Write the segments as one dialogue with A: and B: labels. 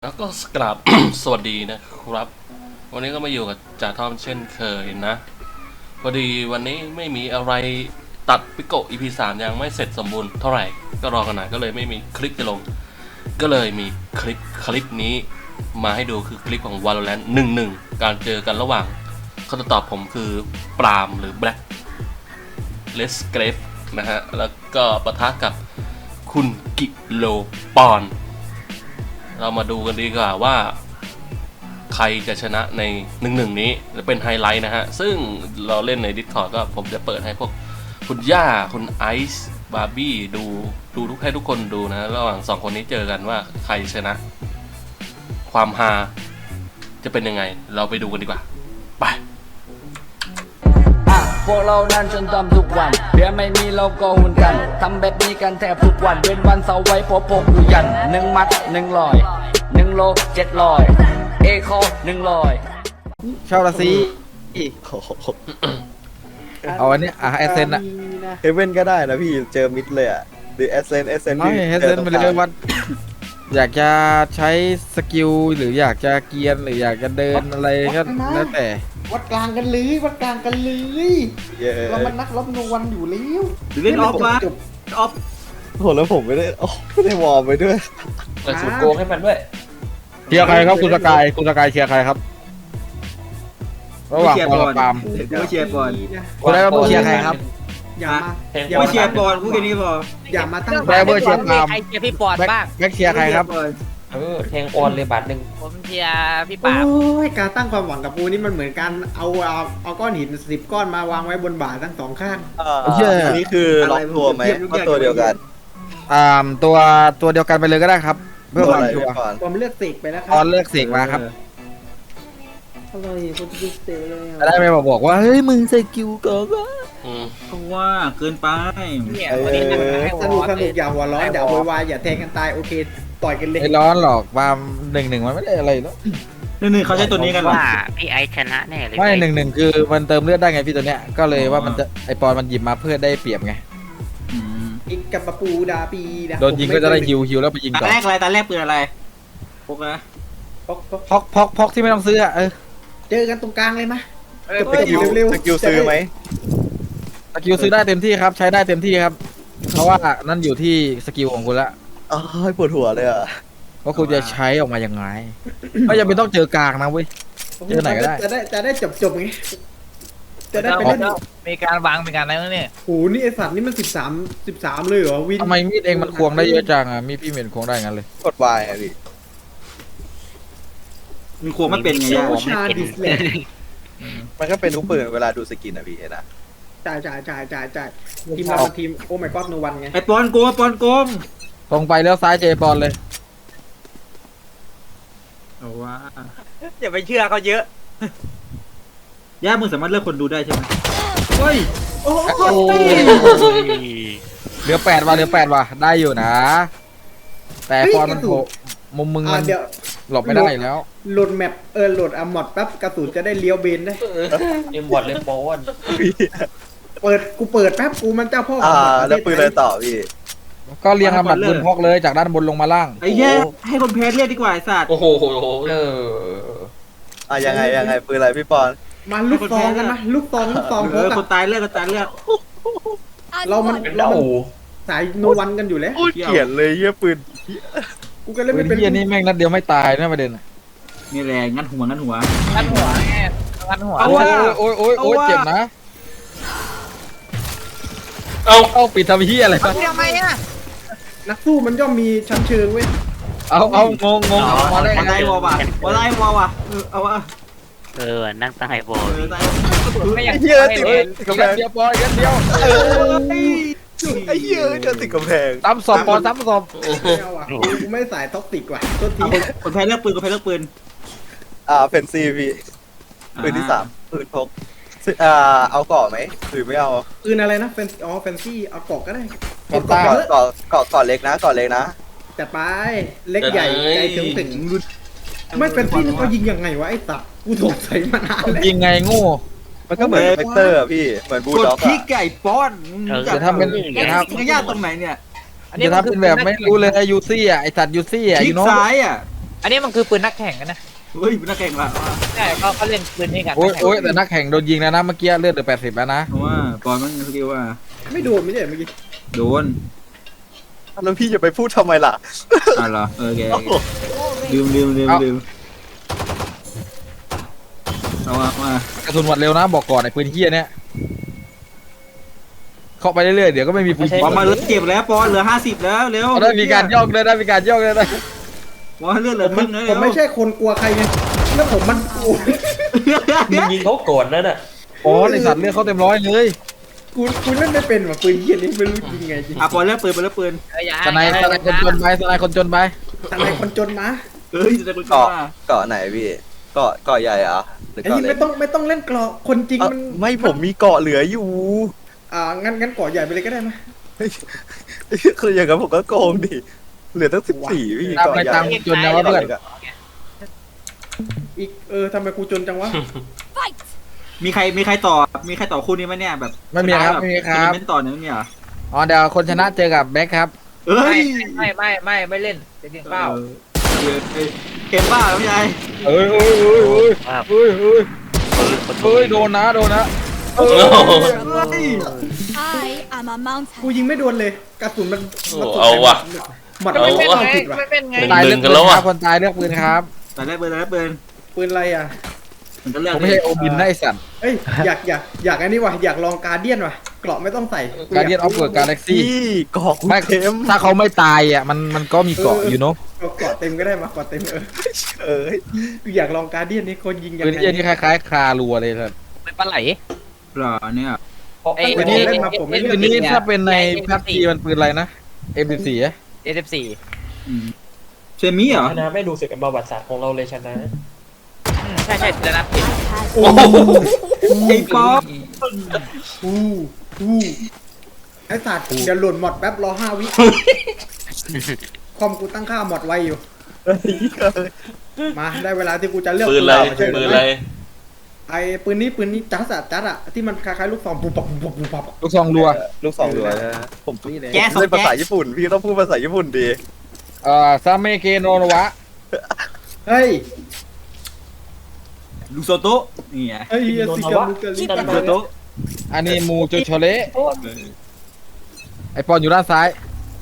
A: แล้วก็กราบ สวัสดีนะครับวันนี้ก็มาอยู่กับจ่าทอมเช่นเคยนะพอดีวันนี้ไม่มีอะไรตัดปิโกะ EP 3ยังไม่เสร็จสมบูรณ์เท่าไหร่ก็รอกันหน่อยก็เลยไม่มีคลิปจะลงก็เลยมีคลิปนี้มาให้ดูคือคลิปของ Valorant 1-1 การเจอกันระหว่างคำตอบผมคือปรามหรือ Black Let's Grave นะฮะแล้วก็ปะทะกับคุณกิโลปอนเรามาดูกันดีกว่าว่าใครจะชนะใน1-1นี้จะเป็นไฮไลท์นะฮะซึ่งเราเล่นใน Discord ก็ผมจะเปิดให้พวกคุณย่าคุณไอซ์บาร์บี้ดูให้ทุกคนดูนะระหว่าง2คนนี้เจอกันว่าใครชนะความฮาจะเป็นยังไงเราไปดูกันดีกว่าไป
B: พวกเรานั้นจนทำทุกวันเดี๋ยวไม่มีเราก็หุ่นกันทำแบบนี้กันแทบทุกวันเว้นวันเสาร์ไว้พอพกอยู่ยัน1 มัด 100 1 โล 700 เอโค100
C: ชอบละสิเอาอันนี้แอสเซนอะ
D: เฮเว่นก็ได้นะพี่เจอมิดเลยอ่ะหรือแอสเซน
C: ไม่แอสเซนไปเลยวัดอยากจะใช้สกิลหรืออยากจะเกียร์หรืออยากจะเดินอะไรก็แล้วแต่
E: วัดกลางกันเลยวัดกลางกันเลยเรามันนักรบนวันอยู่แล้ว
F: เล่นออฟมาออฟ
D: โหแล้วผมไม่ได้วอร์มไปด้วย
A: เปิดสูตรโกงให้มันด้วย
C: เชียร์ใครครับคุณสกายเชียร์ใครครับระหว่างปอนกับปาม
F: ไม่เชียร์บอล
C: คุณได้เชียร์ใครครับ
E: อย่า
F: ไม่เชียร์บอลพูดแค่นี้พอ
E: อย่ามาตั้ง
C: แบเบอร์เชียร์ปาม
G: ใครเชียร์พี่ปอนบ้าง
C: แบ็คเชียร์ใครครับ
A: แทงออนเลยบาทหนึ่ง
G: ผมเชียร์พี่ปาบ
E: โอ้ยการตั้งความหวังกับปูนี่มันเหมือนการเอาก้อนหิน10 ก้อนมาวางไว้บนบ่าทั้ง2 ข้าง
D: อันนี้คือล็อกตัวไหมก็ตัวเดียวกัน
C: ตัวเดียวกันไปเลยก็ได้ครับเพื่อความชัวร์
E: ผมเลือกเสกไปแล้วครั
C: ตอนเลือกเสกมาครับ
E: อะไรคนจะเสกเลย
C: ได้ไหมบอกว่าเฮ้ยมึงใส่กิวก่อนวะ
F: เพราะว่าเกินไป
E: เนี่ยวันนี้สนุกอย่าหัวร้อนอย่าโวยวายอย่าแทงกันตายโอเคต่อยกันเลย
C: ไม่ร้อนหรอกปาม1-1มันไม่ได้อะไรแล้ว
F: 1-1เขาใช้ตัวนี้กัน
G: ว่าพี่ไอชนะแน่เลย
C: ไม่1-1คือมันเติมเลือดได้ไงพี่ตัวเนี้ยก็เลยว่ามันจะไอปอนมันหยิบมาเพื่อได้เปรียบไง
E: อีกกับปูดาปี
C: โดนยิงก็จะได้ฮิวแล้วไปยิงต่อ
F: ตาแรกอะไรตาแรกปืนอะไรพกนะ
C: พกที่ไม่ต้องซื้ออะ
E: เจอกันตรงกลางเลยมะ
D: สกิลซื้อไหม
C: สกิลซื้อได้เต็มที่ครับใช้ได้เต็มที่ครับเพราะว่านั่นอยู่ที่สกิลของคุณละ
D: ปวดหัวเลยอ่ะ
C: ว่าคุณจะใช้ออกมายังไงไม่จำเป็นต้องเจอกลางนะเว้ยเจอไหนก็ได้
E: จะได้จบไงจะได้ไปเล่น
G: มีการวางมีการอะไรเนี่ย
E: โหนี่ไอสัตว์นี่มัน13เลยเหรอวิน
C: ทำไมมีดเองมันควงได้เยอะจังอ่ะมีพี่เมียนควงได้งั้นเลย
D: กดวายอ่ะพี่
F: มันควงไม่เป็นไง
D: มันก็เป็นทุกปืนเวลาดูสกินอ่ะพี่นะ
E: จ่ายทีมโอ้ my god โนวันไง
F: ไอปอนโกง
C: ตรงไปแล้วซ้ายเจปอนเลย
F: เอาว่า
G: อย่าไปเชื่อเขาเยอะ
F: ย่ามึงสามารถเลือกคนดูได้ใช่ไหมเฮ้ย
E: โอ้
C: เหลือ8ว่ะได้อยู่นะแต่ปอนมันโผล่มุมมึงมันหลบไม่ได้แล้ว
E: โหลดแมปโหลดอมอดแป๊บกระสุนจะได้เลี้ยวเบนได้
A: เอ็มบอดเลยโป้น
E: กูเปิดแป๊บกูมันเจ้าพ่อ
D: แล้วปืนอะไรต่อพี่
C: ก็เรียงลำดับปืนพกเลยจากด้านบนลงมาล่าง
F: ไอ้แย่ให้คนแพ้เรียกดีกว่าไอ้สัตว์
A: โอ้โห
D: ยังไงปืนอะไรพี่ปอน
E: มาลูกซองกันนะลูกซอง
F: คนตายเลือก
E: เราสายโนวันกันอยู่แล้ว
D: เขียนเลยเยี่ยปืน
E: กูก็เลยไม่เป็น
C: เยี่ยนี่แม่งนัดเดียวไม่ตายนะประเด็น
F: นี่แรงงัดหัว
G: แง่
C: โอ้ยเจ็บนะเอาปิดทำเฮียอะไร
G: ทำไมอ่ะ
E: นักสู้มันย่อมมีชั้นเชิงเว้ย
C: เอางง
F: มาได้วอว่ะเอาวะ
G: นั่งตั้งไฮโบ
D: ไม่อยากเฮียติดกำแพง
C: เดียวปอนกันเดียว
D: ไอ้เฮียจะติดกำแพง
C: ซ้ำศพปอนซ้ำศพ
E: กูไม่สายท็อกติกว่ะต้นที
F: คนแพ้เลือกปืน
D: เฟนซีพี่ปืนที่3ปืนพกเอาเกาะไหมหรือไม่เอา
E: ปืนอะไรนะแฟนซี่เอาเกาะก็ได้
D: เกาะเล็กนะ
E: จัดไปเล็กใหญ่ใจถึงไม่เป็นที่เขายิงยังไงวะไอ้สัตว์กูสงสัยมานานแล้ว
C: ยิงไงโง่
D: มันก็เหมือนเฟกเตอร์พี่เหมือนบูลด็อก
F: อะที่ไก่ป้อน
C: จะทำเป็น
F: ยากตรงไหนเนี่ย
C: จะทำเป็นแบบไม่รู้เลยยูซี่อ่ะไอสัตว์ยูซี่อ่ะ
F: คลิกซ้ายอ่ะ
G: อันนี้มันคือปืนนักแข่งกันนะ
F: เฮ้ยนักแข่งละ
G: ใช่เขาเล่นปืนนี้กัน
C: โอ้ย
G: นักแข่ง
C: โอ้ยแต่นักแข่งโดนยิงแล้วนะเมื่อกี้เลือดเหลือ80แล้วนะ
F: เพราะว่าปอนมันสกิลว่า
E: ไม่โดนไม่ใช่เมื่อกี้
F: โดน
D: แล้วพี่จะไปพูดทำไมล่ะ
F: อ่ะเหรอโอเคลืมเอามาก
C: ระสุนหมดเร็วนะบอกก่อนไอ้ปืนเฮี้ยเนี่ยเข้าไปเรื่อยๆเดี๋ยวก็ไม่มีปืน
F: ปอนมาเหลือเก็บแล้วปอนเหลือ50แล้วเร็ว
C: ได้มีการย่องเลยได้มีการย่องเลยนะ
F: ปอนเลือดเหลือครึ่งแล้ว
E: ผมไม่ใช่คนกลัวใครไงแล้วผมมันกลัว
H: ยิงเขาโกรธนั่นน่ะ
C: อ๋อไอสัตว์เลือดเขาเต็มร้อยเลย
E: กูเล่นไม่เป็นว่ะปืนเหี้ยนี้ไม่รู้ยิงไงจริง
F: อ่ะปอนเลือกปืนไปแล้วปืน
G: อย่า
C: สไนคนจนไปสไนคนจนไป
E: ทำไมคนจนมา
F: เฮ้ยจะกู
D: เกาะ
F: ว่า
D: เกาะไหนพี่เกาะใหญ่เหรอหรือ
E: ไอ้
D: เกาะ
E: ที่
D: เล็
E: ไม่
D: ก
E: ต้องเล่นกรอกคนจริงมัน
D: ไม่ผมมีเกาะเหลืออยู่
E: งั้นก่อใหญ่ไปเลยก็ได้ไหม
D: คืออย่างนั้นผมก็โกงดิเหลือตั้ง14พี่
C: ตาม
D: เกาะ
C: ไป
D: ใหญ่
C: ตามจนนะว่าเพื่อน
E: อีกทำไมกูจนจังวะ
F: มีใครต่อคู่นี้ไหมเนี่ยแบบ
C: ไม่มีครับไม่มีครับ
F: เป็นต่อเนี่ยไม่มีเหรอ
C: อ๋อเดี๋ยวคนชนะเจอกับแบ็คครับ
F: เอ้ย
G: ไม่เล่นจะกินข้าว
F: เกมบ้าพี่ชาย
C: เอ้ยโดนนะ
A: โอ้โห
I: I am a mountain.
E: กูยิงไม่โดนเลยกระสุนมัน
A: เอาว่ะ
E: หมัด
A: เอา
E: ไม่
A: ว่ะ
E: เอาผิดว่ะ
G: ไม่เป็นไง
C: ตาย
A: ห
C: เลื
A: นึ่
C: อก
A: งกั
C: ปื
A: น
C: น
A: แล้ว
C: ค
A: อ่ะ
C: รับคนตายเลือกปืนครับ
F: แต่ได้ปืน
E: ปืนอะไรอ่ะ
F: มันก็เลือก
C: ผมไม่ใช่โอบินนะไอสัตว์
E: เอ้ยอยากอันนี้ว่ะอยากลองการเดียนว่ะเกราะไม่ต้องใส่
C: การเดียนออฟเวิร์ดกาแล็กซี่
D: พี่เกาะกู
C: ไม่
D: เต็ม
C: ถ้าเขาไม่ตายอ่ะมันก็มีเกาะอยู่เนาะ
E: เกราะเต็มก็ได้มาเกราะเต็ม
D: เอ้ย
E: กูอยากลองการเดียนนี่คนยิงยัง
C: ปืน
E: ไง
C: เฮี้ยนี่คล้ายๆคารัวเลยครับ
G: เป็นปลาไหล
F: หรอเนี่ย
G: ไอ้
E: ปืนนี้เล่นมาผมไม่
C: ปื
E: เล่
C: น
E: น
C: นี้ถ้าเป็นในพับจีมันปืนอะไรนะ M14 อ่ะ
G: A14
F: เชมี่เหรอ
H: ชนะไม่ดูสึกกับประวัติศาสตร์ของเราเลยชนะ
G: ใช่จะนับผิด
E: โอ้
F: ไอ้ป๊อป
E: อู้ไอ้สัตว์เดี๋ยวหล่นหมดแป๊บรอ5 วิคอมกูตั้งค่าหมดไวอยู่ มาได้เวลาที่กูจะเลือก
A: ปืนอะไร
E: ใช่ห
A: ปืนอะไร
E: ไอ้ปืนนี้จัดอะที่มันคล้ายๆลูกซองปุ๊บปับ
C: ลูกซองรัว
D: ลูกสองรัวนะผม
E: นี่เลย
D: เล่นภาษาญี่ปุ่นพี่ต้องพูดภาษาญี่ปุ่นดี
C: ซาเมเกโนโนวะ
E: เฮ้ย
F: ลูโซโตะนี่ไง
E: เฮ้ยสิกามุกาลิ
F: ลูโซโตะ
C: อันนี้มูโจโชเละไอปอนอยู่ด้านซ้าย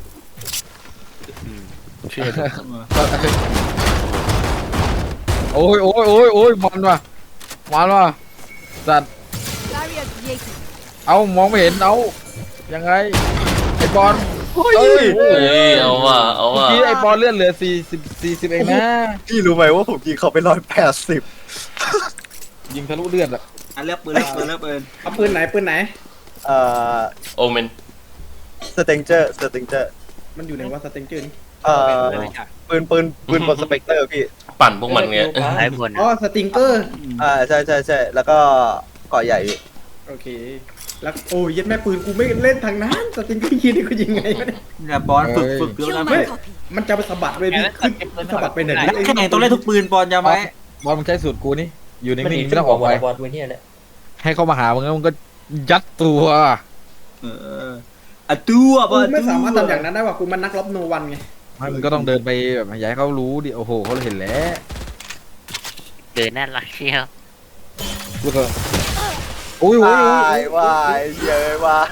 C: โอ้ยมันว่ะสัตว์
I: Barrier created.
C: เอามองไม่เห็นเอายังไงไอปอน
D: เฮ้ย
C: เอ้ย
A: เฮ้ยเอาว่ะเอา
C: เมื่อ
A: ว่ะ
C: กี้ไอปอนเลือดเหลือ40เองนะ
D: พี่รู้ไหมว่าผมยิงเขาไป180
C: ยิงทะลุเลือดอะ
F: อ่ะเลือกปืน
E: เอาปืนไหน
D: เอ่อ
A: โอเมน
D: สเตงเจอร์
E: มันอยู่ในว่าสเต็งเจอร์นี่
D: ปืนบนสเปกเตอร์พี่
A: ปั่นพวกมันเงี้ย
G: หลายคน
E: อ๋อสติงเกอร์
D: ใช่แล้วก็เกาะใหญ่พี่
E: โอเคแล้วโอ้ยยัดแม่ปืนกูไม่เล่นทางนั้นสติงเกอร์ยิงนี่กูยิงไงวะเนี่ย
F: เนี่ยบอลฝึกเยอะ
I: Kill
F: นะ
I: my copy.
E: มันจะไปสะบัดเลยพี่ขึ้นสะบัดไปไหน
F: นักแข่งต้องเล่นทุกปืนบอลจำไว้
C: บอลมึงใช้สูตรกูนี่อยู่นิ่
H: มัน
C: ง
H: หนี
C: ๆ
H: ไม่
C: ไม่
H: ต้
C: ต้
H: อ
C: อง ง
H: อ
C: อ
H: อ
C: อก ก
H: ไป
C: ไป
H: บอลเวเนี่ยแหละ
C: ให้เข้ามาหามึงแล้วมึงก็ยัดตัว
F: อะตัวบ
E: กู
F: อล
E: ไม่สามารถทำอย่างนั้นได้ว่ะกูมันนักรบโนวันไง
C: ไม่มึงก็ต้องเดินไปแบบอย่าให้เขารู้ดิโอ้โหเขาเห็นแล้ว
G: เกินน่ารักเชียว
C: กูก็โอ้ยว
D: ายเยอะวาย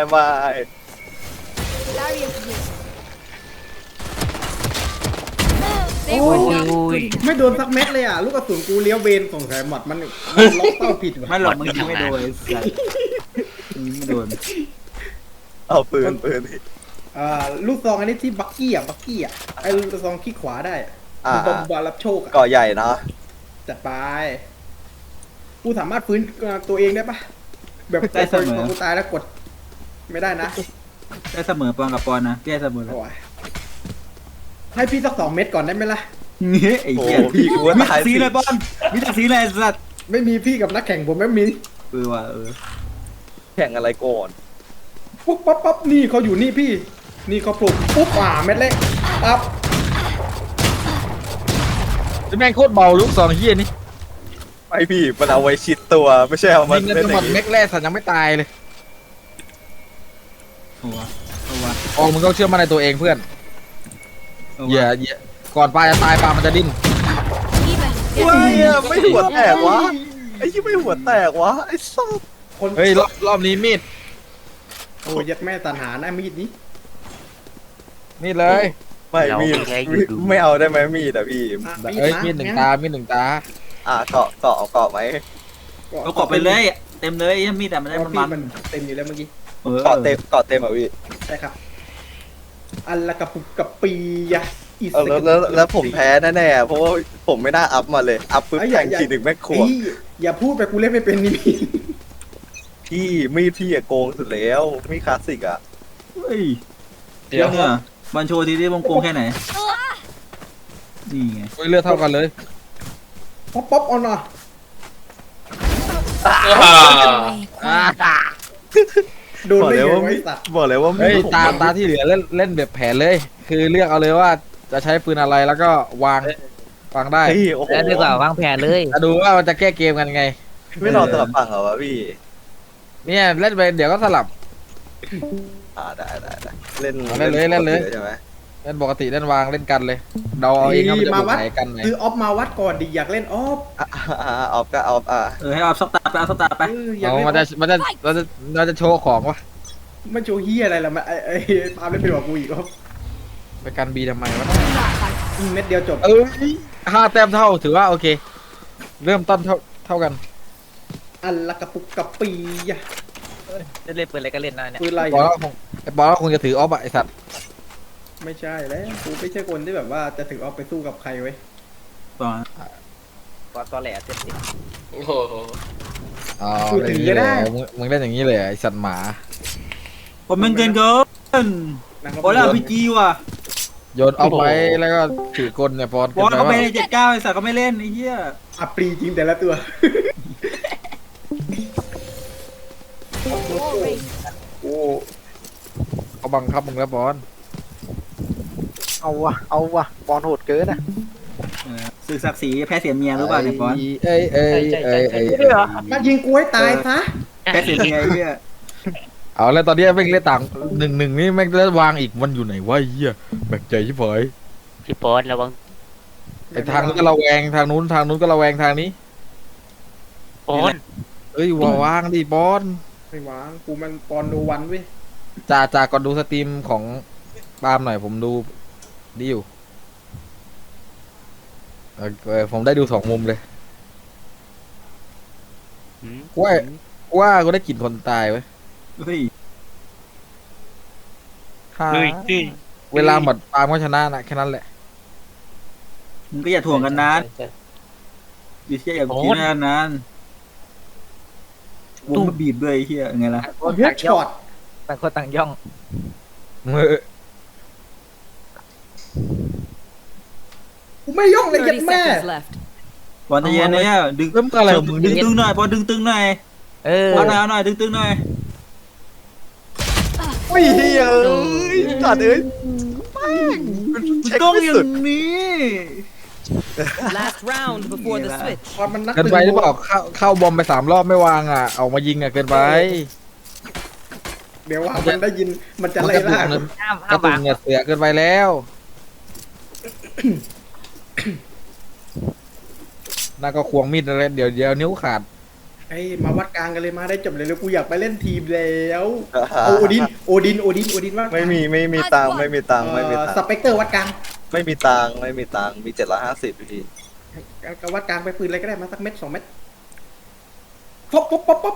I: Barrier created.
E: โอ้
I: They were not good enough.
E: ไม่โดนสักเม็ดเลยอ่ะลูกกระสุนกูเลี้ยวเบนสงสัยหมดมันล็อกเป้าผิดว่ะ
F: ไม่หรอกมึงยิงไม่โดนยิงไม่โดน
D: เอาปืน
E: ลูกซองอันนี้ที่บักกี้อ่ะไอ้ลูกซองขี้ขวาได้บอมบารับโชคอ่ะ
D: เกาะใหญ่เนาะ
E: จัดไปกูสามารถฟื้นตัวเองได้ปะแบบพอกูตายแล้วกด ไม่ได้นะ
F: ได้เสมอปอนกับปอนนะได้เสมอแล้ว
E: โอ้ยให้พี่สัก2 เม็ดก่อนได้ไหมล่ะ
F: เงี้ยไอ้เหี้ย
D: พี่กูว่า
F: มี
D: ตาย
F: สีเลยบอลมีแต่สีเลยสัตว์
E: ไม่มีพี่กับนักแข่งผมไม่มี
F: ว่ะ
D: แข่งอะไรก่อน
E: ปุ๊บปั๊บนี่เขาอยู่นี่พี่ นี่เขาปลุกปุ๊บเม็ดเล็กปั๊บ
C: แม่งโคตรเบาลูกซองเฮียนี่
D: ไม่พี่มันเอาไว้ชิดตัวไม่ใช่เอามา
C: ยิงกัน
D: เล่น
C: จะ
D: อ
C: หม
D: ย่า
C: ด
D: งนี้
C: เม็กแรกสัตว์ยังไม่ตายเลย
F: โอ้วะ
C: ออกมึงต้องเชื่อมั่นในตัวเองเพื่อนอย่าก่อนปลาจะตายปลามันจะดิ้น
I: Even
D: เฮ้ยไม่หัวแตกวะไอ้ที่ไม่หัวแตกวะไอ้สัส
E: คน
C: เฮ้ยรอบนี้มีด
E: โอ้ยยัดแม่ตันหาหน้ามีดนี้
C: มีดเลย
D: ไม่มีดไม่เอาได้ไหมมีดอะพี่
E: อ่ะ
C: เอ้ย
E: ะ
C: มีดหนึ่งตามีดหนึ่งตา
D: เกาะเอาเกาะไหม
F: เอากรอบไปเลยเต็มเลยมีแต่มันได้
E: เพ
F: มัน
E: ราะ
F: มั
E: พี่มัน นเต็มอยู่แล้วเมื่อกี้
D: เกาะเต็มอ่ะพี่
E: ใช่ครับ อันละกระปุกกระปีอะอีส
D: แล้วผมแพ้แน่ๆเพราะว่าผมไม่น่าอัพมาเลยอัพปุ๊บแข่งทีหนึ่งแม่งขวบ
E: อย่าพูดไปกูเล่นไม่เป็นนี่พี่
D: พี่มีดพี่อะโกงสุดแล้วมีคลาสสิกอะ
F: เฮ้ยเดี๋ยวเนี่ยบันโชว์ทีที่วงกลมแค่ไหนนี่ไง
C: เฮ้ยเลือดเท่ากันเลย
E: ป๊อปป๊อปเอาหน่อย โดน
D: บอก
E: ได้
D: เลย
E: ไง
D: ว่า
E: ไว้สัตว์
D: บอกเลยว่ามี
C: เฮ้ย
D: ดผม
C: ตาที่เหลือเล่นแบบแผนเลย คือเลือกเอาเลยว่าจะใช้ปืนอะไรแล้วก็วางได้
D: เฮ้ยโอ้โห
G: แล้วดีกว่าวางแผนเลย
C: จะดูว่ามันจะแก้เกมกันไง
D: ไม่รอสลับฝั่งเหรอวะพี่
C: เนี่ยเล่นไปเดี๋ยวก็สลับ
D: ได้เล่น
C: เล่นเลย
D: ใช่ไหม
C: เล่นปกติเล่นวางเล่นกันเลยเดาเอาเองว่ามันจะ
E: มา
C: บุก
E: วัด
C: ไหนกันไหน
E: คือออฟมาวัดก่อนดิอยากเล่นออฟ
D: ออฟก็ออฟ
F: ให้เอาสตาร์ไปเอาสตาร์ไป
E: อยาก
C: เอา
E: เล่น
C: มันจะโชว์ของวะ
E: มันโชว์เฮียอะไรล่ะมันไอ้ปาล์มเล่นไปกว่ากูอีกออฟ
C: ไปกันบีทำไมวะ
E: เม็ดเดียวจบ
C: 5 แต้มเท่าถือว่าโอเค เริ่มต้นเท่ากัน
E: อันละกระปุกกระปีอะ
G: จะเล่นปืนอะไรก็เล่นได้เนี่ย
E: ปืนอะไร
C: บอลก็คงไอ้บอลก็คงจะถือออฟอะไอสัตว์
E: ไม่ใช่แล้วกูไม่ใช่คนที่แบบว่าจะถือออฟไปสู้กับใครไว้ย
F: ต่อ
G: ก่อนตอแหลเต็มที่
A: โอ้โห
C: อ๋อเล่นอย่างนี้เลยมึงเล่นอย่างนี้เลยไอสัตว์หมา
F: ผมเป็นเกินเกิน
E: นักรบ
F: โอ้ยแล้วพีจีว่ะ
C: โยนออฟไปแล้วก็ถือกลเนี่ยบอล
F: บอล
C: เกิน
F: เขา
C: ไป
F: ไป
C: ว่า
F: 79ไอ้สัตว์ก็ไม่เล่นไอ้เหี้ย
E: อัปรีจริงแต่ละตัว
I: war race.
C: โอ้เขาบังคับมึงแล้วบอล
D: เอาวะบอลโหดเกินอะ
F: ศึกศักดิ์ศรีแพ้เสียเมียรู้ป่ะเนี่ยบอล
C: เอ้ย
E: มันยิงกูให้ตายซะ
F: แพ้เสียเมียไอ้เหี้ย
C: เอาแล้วตอนนี้แม่งเล่นต่าง1-1นี่แม่งเล่นวางอีกมันอยู่ไหนวะไอ้เหี้ยแบกใจชิบหาย
G: พี่โป๊ตระวัง
C: ไอทางนู้นก็ระแวงทางนู้นก็ระแวงทางนี้
G: โป๊ต
C: เอ้ยวางดิบอล
E: ไม่วางกูมันปอนโนวันเว้ย
C: จ่าก่อนดูสตรีมของปาล์มหน่อยผมดูดีอยู่ผมได้ดู2 มุมเลยว่ากูได้กลิ่นคนตายไว้ย
F: เฮ้ย
C: เวลาหมดปาล์มก็ชนะนะแค่นั้นแหละ
F: มึงก็อย่าถ่วงกันนานดิเชี่ยอย่าคิดนานวงก็บีบด้วยไอ้เหี้ยไงล่ะ
E: เฮดช็อต
G: ต่างคนต่างย่อง
E: กูไม่ย่องเลยยัดแม่
F: บอลจะเย็นเนี่ยดึง
C: เริ่มอะไรของมึง
F: ดึ
C: ดิ
F: งตึงหน่อยบอลดึงตึงหน่อย เอาหน่อยดึงตึงหน่อย
D: ไม่เฮียตัดเอ้ยเช็ค
F: ต้อง
D: ไม่
F: อย่า
D: สุด
F: งนี้
I: Last round before the switch.
E: พอมันนัก
C: เกินไปหรือเปล่าเข้าบอมไป3 รอบไม่วางอ่ะออกมายิงอ่ะเกินไป
E: เดี๋ยวว่ามันได้ยินมันจะไล่ล่า
G: ห้าม
C: กระตุ
G: บั
C: ก
G: ง
C: เนี่ยเสือเกินไปแล้วน่าก็ควงมีดอะไรเดี๋ยวนิ้วขาด
E: ไอ้มาวัดกลางกันเลยมาได้จบเลยแล้วกูอยากไปเล่นทีมแล้วเอาโอดินว่า
D: ไม่มีตังค์ไม่มีตังค์
E: สเปกเตอร์วัดกลาง
D: ไม่มีตังค์มี750พี่
E: ก็วัดกลางไปปืนอะไรก็ได้มาสักเม็ด2 เม็ดป๊อป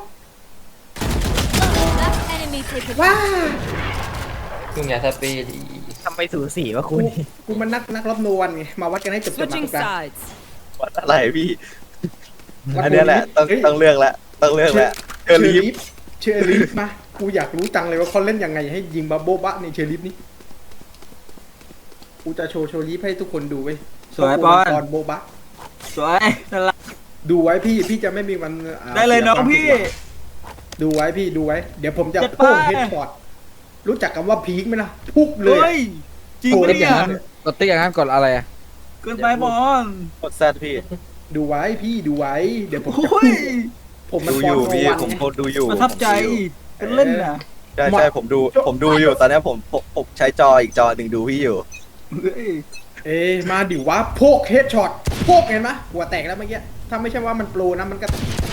I: Last enemy taken.
E: ว้า
H: มึงอย่าสเปรย์ดี
G: ทำไปสู่สีวะคุณ
E: กูมันนักรบโนวันไงมาวัดกันให้จบมา
I: Switching
E: ตรงกลาง
I: sides.
D: อะไรพี่อันนี้แหละต้องเลือกแล้วเชอรี่
E: เชอริฟมากูอยากรู้จังเลยว่าเขาเล่นยังไงให้ยิงบาโบบะในเชอริฟนี่กูจะโชว์เชอริฟให้ทุกคนดูเว้ย
F: สวยบอล
E: ตอนโบบะ
F: สวยนั่นละ
E: ดูไว้พี่จะไม่มีวัน
F: ได้เลยน้องพี่
E: ดูไว้พี่ดูไว้เดี๋ยวผมจะ
F: จัดไป
E: พุ่งเฮดช็อตรู้จักคำว่าพีคไหมล่ะทุบเลย
F: เฮ้ยจริง
E: โอ้
F: ปะ
E: ย
F: เนี่ย
C: กดติ๊กอย่างนั้นกดอะไรอ่ะ
F: เกินไปบอล
D: กดแซดพี่
E: ดูไว้พี่ดูไว้ เดี๋ยวผมจะ
F: โอ้ย
E: ผมมัน
D: ดู
E: ฟ
D: อ
E: อน
D: ยู่
E: โน
D: พี่
E: วัน
D: ผม
E: ไง
D: ดูอยู่
F: ประทับใจเป็นเล่นนะ
D: ใช่ผมดูอยู่ตอนนี้ผมใช้จออีกจอหนึ่งดูพี่อยู่
F: เฮ้ย
E: เอ้ยมาดิวะโพกเฮดช็อตโพกเห็นไหมหัวแตกแล้วเมื่อกี้ถ้าไม่ใช่ว่ามันโปรนะมันก็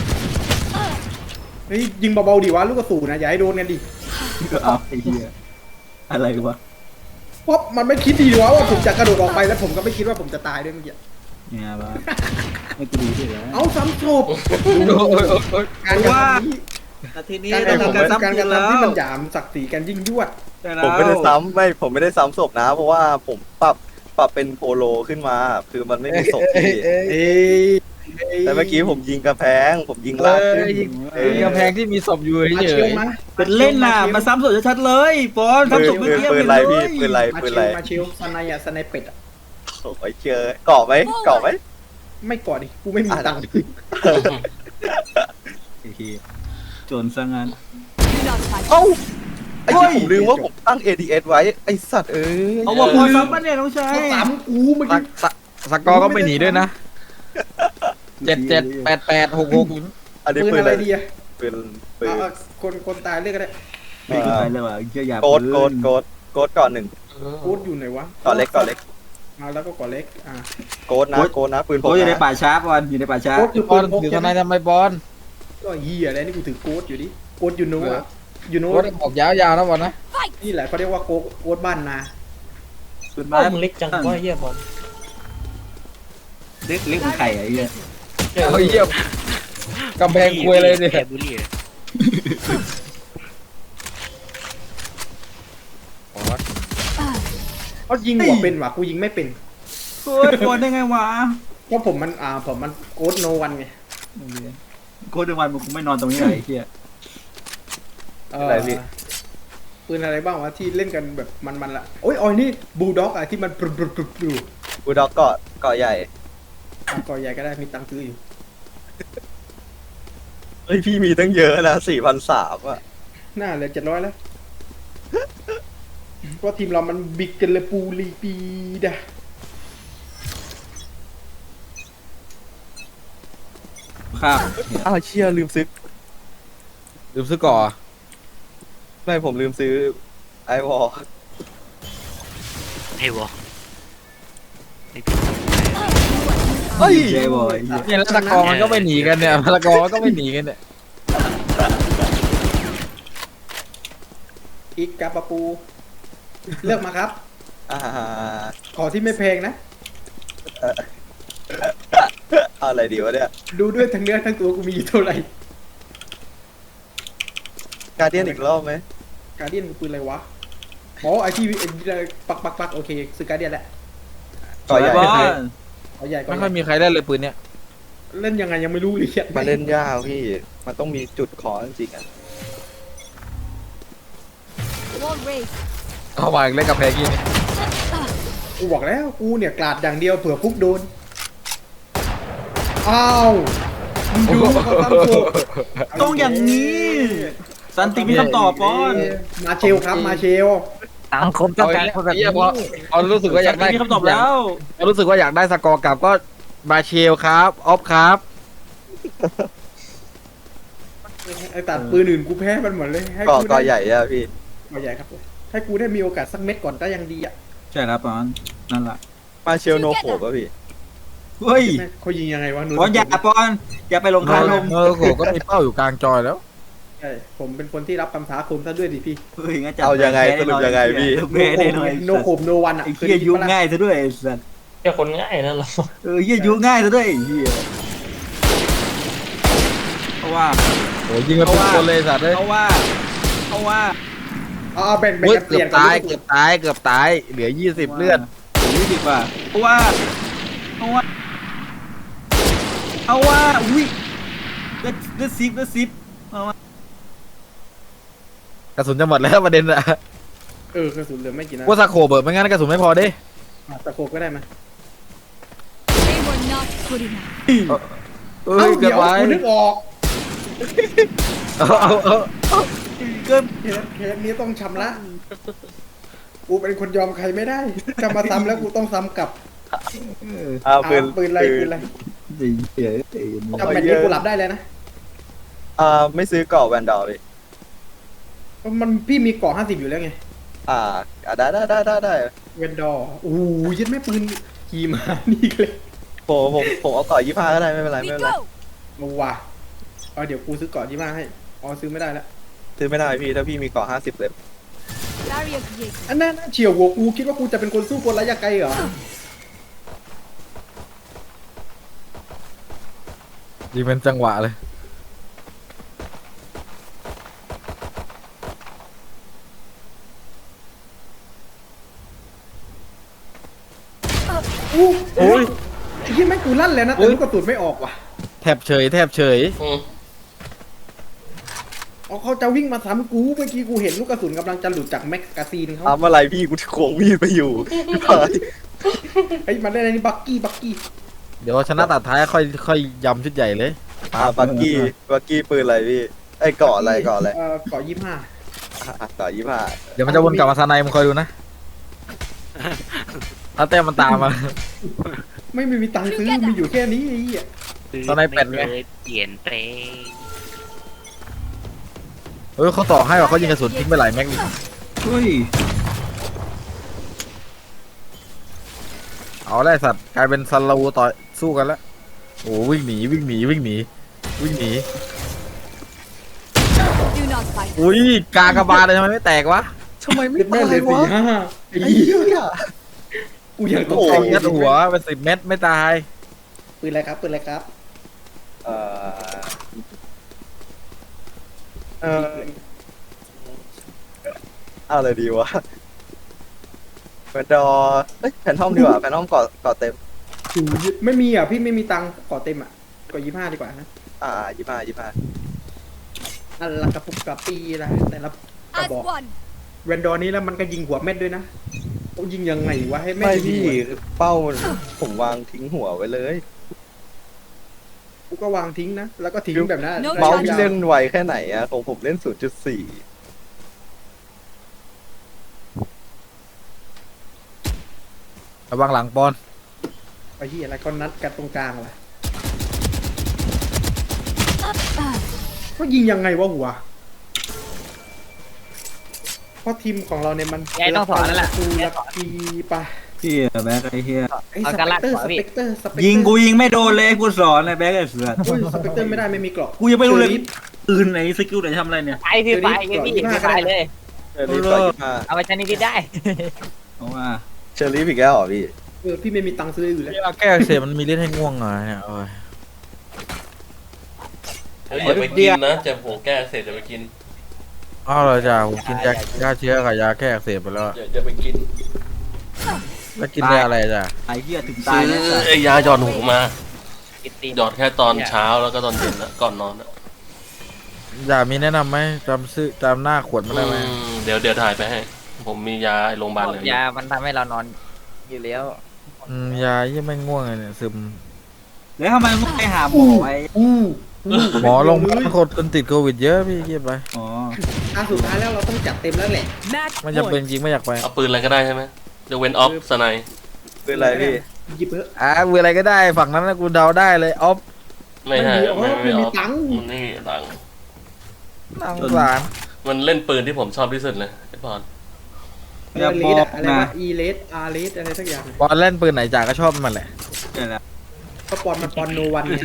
E: เฮ้ยยิงเบาๆดิวะลูกกระสุนนะอย่าให้โดนกันดิ
F: เอาไอ้เหี้ยอะไรวะ
E: เพราะมันไม่คิดดีวะว่าผมจะกระโดดออกไปแล้วผมก็ไม่คิดว่าผมจะตายด้วยเมื่อกี้
F: เนี่ยบ้าไม่กูดูสิแล้ว
E: เอาซ้ำศพ
C: โอ้ย
E: การกระทำนี้
F: นาทีนี้
E: การก
F: ต้
E: ระ
F: อง
E: ทำ
F: ทำการ
E: การ
F: ซ้ำ
E: ก
F: กิ
E: ระ
F: นแล้ว
E: ทำที่มันหยามศักดิ์ศรีกันยิ่งยวด
D: ผมไม่ได้ซ้ำผมไม่ได้ซ้ำศพนะ เพราะว่าผมปรับเป็นโปโลขึ้นมา คือมันไม่มีศพพี่
E: เอ้ย
D: แต่เมื่อกี้ผมยิงกระแพง ผมยิงลากขึ้น
C: ยิงกำแพงที่มีศพอยู่
E: มา
C: เฉ
E: เชียวย มา
F: เป็นเล่นน่ะมาซ้ำสดชัดๆเลยปอนซ้ำสดเมื่อกี้
D: ปืน
F: เล
D: ไร
F: ย
D: พี่ปืนไร
E: มา
D: ปืน
E: เชี
D: ไร
E: ยวมาเชียวสไนอะสไนเป็ดอะ
D: โอ้ยเจอเกาะไหมเกาะไหม
E: ไม่กอดดิกูไม่มีตังค์
F: ไอ้เหี้ยโจรซะงั้น
D: เอ้าไอ้ที่ผมลืมว่าผมตั้ง ADS ไว้ไอ้สัตว์เอ้ย
F: เอาบอกปอนซ้ำปะเนี่ยน้องชาย
E: เขาสามกูเมื่อกี้
C: สกอร์ก็ไม่หนีด้วยนะ778866
D: อันนี้
E: ปืน
D: ปืน
E: อะ
D: อะไร ไร
E: ดีอะ
D: ปืนปืน
E: เอาคนตายเรียกก็ได้
F: ไม่กูไปเลยว่ะเหี้ยอย่า
D: โกดก่อนหนึ่ง
E: โคตรอยู่ไหนวะ
D: ก่อนเล็กก่อนเล็ก
E: มาแล้วก็ก่อเล็ก
D: โกดนะปืนผม
F: โอ้ยอยู่ใน
D: นะ
F: ป่าช้าปอนอยู่ในป่าช้า
E: โคตรคือ
C: ป
E: ปื
C: อน
E: นพก
C: ถือ
E: ใช่
C: ท
E: ไหม
C: นายทำไมบอล
E: ก็เฮียอะไรนี่กูถือโกดอยู่ดิโกดยูโน่อะยูโน่
C: โค้ดออกยาวๆนะบอลนะ
E: นี่แหละเขาเรียกว่าโกดบ้านนา
F: ปืน
H: บ้า
F: บ้าน
H: มึงเล็กจังว่าเหี้ยบอล
F: เล็กเหมือนไข่ไอ้เหี้ย
C: เอาเยี่ยมกำแพงคุยเลยเนี่ย
G: บุรี
E: เขายิงหัวเป็นว่ะกูยิงไม่เป็น
F: โอ้ยปอนได้ไงวะ
E: เพราะผมมันโกดโนวันไง
F: โคตรวันมึงคงไม่นอนตรงนี้เลยไอ้เหี้ย
D: อะไรพี่
E: ปืนอะไรบ้างวะที่เล่นกันแบบมันละโอ้ยออยนี่บูลด็อกอะที่มันปรุบอยู่
D: บูด็อกเกาะใหญ่
E: ก่อใหญ่ก็ได้มีตังค์ซื้ออยู่
D: เฮ้ยพี่มีตั้งเยอะนะ4,300อ่ะ
E: น่าเหลือ700แล้วเพราะทีมเรามันบิกกันเลยปูลีปีดะ
F: ครับ
D: อ้าวเชี่ยลืมซื้อ
C: ลืมซื้อก่อ
D: ไม่ผมลืมซื้อไอวอล
G: ไอ้วะ
D: เฮ้ย
F: เจ๊บอยเหี้ย
C: เนี่ยแล้วสกอร์มันก็ไม่หนีกันเนี่ยสกอร์มันก็ไม่หนีกันเนี่ย
E: อีกกาปะปู เลือกมาครับ
D: อ่า
E: ขอที่ไม่แพงนะ
D: เอาอะไรดีวะเนี่ย
E: ดูด้วยทั้งเนื้อทั้งตัวกูมีอยู่เท่าไหร่
D: การเดียนอีกรอบไหม
E: การเดียนปืนอะไรวะอ๋อไอที่ปักโอเคซื้อการเดียนแหละ
D: เกาะใหญ่
F: บอล
E: เอาใหญ่ก่อ
C: ไม่
E: น
C: ค่อยมีใครได้เลยปืนเนี่ย
E: เล่นยังไงยังไม่รู้เลย
D: มาเล่นยากพี่ มันต้องมีจุดขอจริงๆอ่ะ
C: เอามาอีกเล่นกำแพงกี่เนี่ย
E: กูบอกแล้วกูเนี่ยกลาดอย่างเดียวเผื่อฟุกโดนอ้าวมึงดูเขาทำโชว์
F: ต้องอย่างนี้สันติมีคำตอบปอน
E: มาเชลครับมาเชล
G: สังคมต้องการคนแบบ
C: เหี้
G: นี้
C: ยพอรู้สึกว่าอยากได้
F: มีคำตอบแล้ว
C: พอรู้สึกว่าอยากได้สกอร์กลับก็มาเชลครับออฟครับ
E: ไอ้ตัดปืนอื่นกูแพ้มันหมดเลยให้
D: เกาะ
E: กู
D: เกาะใหญ่อะพี่
E: เกาะใหญ่ครับให้กูได้มีโอกาสสักเม็ดก่อนก็ยังดีอ่ะ
F: ใช่ครับปอนนั่นแหละ
D: มาเชลโนโขบอะพี่
F: เฮ้ย
E: เขายิงยังไงวะหนู
F: ปอนอย่าปอนอย่าไปลงคาลม
C: เออโหก็มีเป้าอยู่กลางจอยแล้ว
E: ใช่ผมเป็นคนที่รับคำท้าคมซะด้วยดิพี่
F: เฮ้ยงั้นจะ
D: เอายังไงสรุปยังไงพี่
F: แพ้แน่นอน
E: โนโคมโนวันอ่ะ
F: ไอ้เหี้ยยุ่งง่ายซะด้วยไอ้สัส
H: แค่คนง่ายนั่นหรอ
F: เหี้ยยุ่งง่ายซะด้วยไอ้เหี้ยเพราะว่า
C: โหยิงกันทุกคนเลยสัตว์เลย
F: เพราะว่า
E: เอาแบ่ง
C: เฮ้ย
E: กันเปลี่ยน
C: เกือบตายเหลือ20เลือด
F: 20อ่ะเพราะว่าอุ้ยเลือดซิปเอาว่าก
C: ระสุนจะหมดแล้วประเด็นอะ
E: กระสุนเหลือไม่กี่นัด
C: ว่าสโคเบิร์ดไม่งั้นกระสุนไม่พอดิ
E: ตะโขบก็ได้ไหม
C: เอ้ยเกินไป
E: กูนึกออก
C: เอา
F: เกิน
E: เคสนี้ต้องชำระกูเป็นคนยอมใครไม่ได้จะมาซ้ำแล้วกูต้องซ้ำกลับ
D: อ้าวปืน
E: ปืนอะไรปืนอะไร
F: จริงเหี้ย
E: จำแบบนี้กูหลับได้เลยนะ
D: ไม่ซื้อเกาะแวนดอลเลย
E: มันพี่มีเกาะ50อยู่แล้วไง
D: ได้
E: เวนดอร์โอ้ยยัดแม่ปืนขี่มานี่เลย
D: ผมเอาก่อ25ก็ได้ไม่เป็นไรไม่
I: We
D: เป็นไร
I: go.
E: มาว่ะเอาเดี๋ยวกูซื้อก่อนที่มาให้อ๋อซื้อไม่ได้แล้ว
D: ซื้อไม่ได้พี่ถ้าพี่มีก่อ50เล่ม
I: Barrier created.
E: อันนั้นเฉียวหัวกูคิดว่ากูจะเป็นคนสู้คนระยะไกลเหรอ
C: ยิงเป็นจังหวะเลย
E: โอ้
C: โอ้ย
E: ไอ้ที่แม่งกูลั่นแล้วนะแต่ลูกกระสุนไม่ออกว่ะ
C: แทบเฉยแทบเฉย
E: อ๋อเขาจะวิ่งมาซ้ำกูเมื่อกี้กูเห็นลูกกระสุนกำลังจะหลุดจากแม็กกาซีนเขา
D: ทำอะไรพี่กูโขงมีดไปอยู่พี่พาย
E: ไอ้ยมันได้อะไรนี่บักกี้
C: เดี๋ยวชนะตัดท้ายค่อยยำชุดใหญ่เลย
D: บักกี้ปืนอะไรพี่ไอ้เกาะอะไรเกาะอะไร
E: เกาะ25
D: เกาะ25
C: เดี๋ยวมันจะวนกลับมาซาไนมึงคอยดูนะ ถ้าแต้มมันตามมา
E: ไม่มีตังค์ซื้อมีอยู่แค่นี้ไอ้เหี้ย
C: ตอนไหนเป็ดไง
G: เปลี่ยนเปลง
C: เฮ้ยเขาต่อให้ว่าเขายิงกระสุนทิ้งไปหลายแม็กนี่
F: เฮ้ย
C: เอาแล้วไอ้สัตว์กลายเป็นซันลาวูต่อสู้กันแล้วโอ้วิ่งหนี
I: Do not fight.
C: อุ้ยกากระบาลเลยทำไมไม่แตกวะ
D: ทำไมไม่
E: แม่
D: ตาย
E: เลยว
D: ะ
E: 45ไอ้
D: ไอ้
E: เหี้ย
D: เหี้ย
E: กูยังตก
D: โอ้
E: ใจ
D: โห
C: ยัดหัวเป็น10 เม็ดไม่ตาย
E: ปืนอะไรครับปืนอะไรครับ
D: เอ่อเออเอาอะไรดีวะแฟนดอร์เอ้ยแฟนทอมดีกว่าแฟนทอมเกาะเต็ม
E: ไม่มีอ่ะพี่ไม่มีตังค์เกาะเต็มอ่ะเกาะ25ดีกว่านะ
D: 25
E: อันละกระปุกกระปีนะแต่ละกระ
I: As
E: บอก
I: one.
E: แวนดอร์นี้แล้วมันก็ยิงหัวเม็ดด้วยนะเขายิงยังไงวะให้แม่
D: ไม่
E: งยิง
D: พี่
E: หัว
D: เป้าผมวางทิ้งหัวไว้เลย
E: กูก็วางทิ้งนะแล้วก็ทิ้งแบบนั้น
I: No
D: เมาส์
I: charge.
D: พี่เล่นไวแค่ไหนอะของผมเล่น 0.4
C: ระวังหลังปอน
E: ไอ้ที่อะไรก็นัดกันตรงกลางล่ะก็ยิงยังไงวะหัวเพราะทีมของเราเนี่ยมัน
G: ยายต้องสอนแล้วล่ะ
E: กูลักกีปะ
F: พี่แบ็คไอ้เหี้ย
E: ไอ้สเปกเตอร์สเปกเตอร์สเปกเตอร์
F: ยิงกูยิงไม่โดนเลยกูสอนเลยแบ็คไอ้เสือ
E: อุ้ยสเปกเตอร์ไม่ได้ไม่มีเกราะ
F: กูยังไม่รู้เลย
E: ชอฟ
F: ปืนไหนสกิลไหนทำอะไรเนี่ย
G: ไปพี่ไปพี่ไปเลย
D: เชอรี่ต่อ25
G: เอาไปชนิดที่ได้
F: เอาว่า
D: เชอรี่อีกแล้วเหรอพี่
E: พี่ไม่มีตังค์ซื้ออยู่แล้ว
C: ยาแก้อักเสบมันมีฤทธิ์ให้ง่วงเหรอเนี่ยโอ้ย
A: อย่าไปกินนะเจ็บหัวแก้เสร็จจะไปกิน
C: อ้าวเหรอจ้าผมกินยาฆ่าเชื้อกับยาแก้อักเสบไปแล้วอะ
A: อย่าไปกิน
C: แล้วกินได้อะไรจ้ะ
F: ไอ้เหี้ยถึงตา
A: ซื้
F: ย
A: อ
F: แล้วสัส
A: ไอ้ยาหยอดหูมา
G: กินตีน
A: หยอดแค่ตอนเช้าแล้วก็ตอนเย็นนะก่อนนอนนะ
C: ยามีแนะนำไหมจำหน้าขวดมันได้ไหม
A: เดี๋ยวถ่ายไปให้ ผมมียาไอ้โรงพยาบาลเลย
G: ยามันทำให้เรานอนอยู่แล้ว
C: ยายี่ไม่ง่วงเลยเนี่ยซึม
F: แล้วทำไมมึงไปหาหมอไอ้
C: หมอลงพักคนติดโควิดเยอะพี่เกียบไป
F: อ๋อ
E: สุดท้ายแล้วเราต้องจัดเต็มแล้วแหละ
I: Match
C: ไม่จำเป็น
I: point.
C: จริงไม่อยากไป
A: เอาปืนอะไรก็ได้ใช่ไหมจะเว้นออฟสไน
D: คืออะไรพี่
E: หยิบเถอะ
C: เวลอะไรก็ได้ฝั่งนั้นนะกูเดาได้เลยออฟ
A: ไม่ใช่
E: ไม่มีตังค์
A: มันไม่มีตังค์
C: นั่งสาร
A: มันเล่นปืนที่ผมชอบที่สุดเลยไอ้บอล
F: อย่า
E: เล
F: บอ
E: ด
F: ก
E: อะไร
F: นะ
E: วะอีเลสอาร์เลสอะไรสักอย่าง
C: บอลเล่นปืนไหนจ่าก็ชอบมันแหละ
F: เดี๋ยวนะ
E: ก็ปอนมันปอนโนวันเนี่ย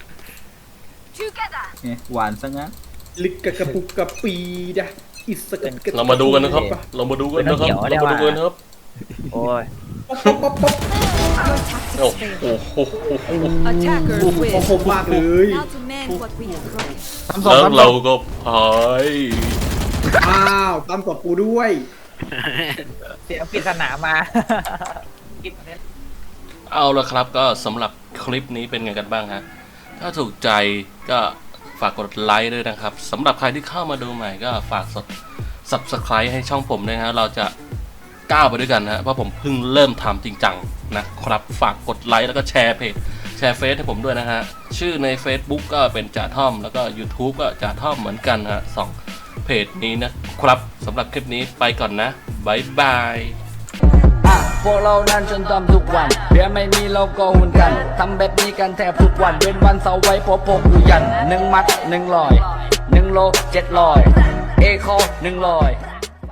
I: Together.
F: เนี่ยหวานซะงั้น
E: ลิกกระปุกกระปีดะอิสกะ
A: เรามาดูกันนะครับเรามาดูกันนะครับเรามาดูกันนะครับ
G: โอ้ย
E: ป๊อปป๊อปป๊อปป๊อป
I: Your
A: โอ้
I: tactics
A: โห
I: failed. Attackers
E: โอ้
I: win.
E: โหมากเลย
I: Now to mend what we have broken.
A: แล้วเราก็พาย
E: อ้าวตามตบกูด้วย
G: เสียงปริศนามากิน
A: เอาละครับก็สำหรับคลิปนี้เป็นไงกันบ้างฮะถ้าถูกใจก็ฝากกดไลค์ด้วยนะครับสำหรับใครที่เข้ามาดูใหม่ก็ฝาก Subscribe ให้ช่องผมด้วยนะฮะเราจะก้าวไปด้วยกันนะเพราะผมเพิ่งเริ่มทำจริงจังนะครับฝากกดไลค์แล้วก็แชร์เพจแชร์เฟซให้ผมด้วยนะฮะชื่อใน Facebook ก็เป็นจ่าท่อมแล้วก็ YouTube ก็จ่าท่อมเหมือนกันฮะ2เพจนี้นะครับสำหรับคลิปนี้ไปก่อนนะบายบาย
B: พวกเรานั้นจนทำทุกวันเพียไม่มีเราก็หุ่นกันทำแบบนี้กันแทบทุกวันเป็นวันเสาร์ไว้พกอยู่ยัน1 มัด 100 1 โล 700 เอคอ100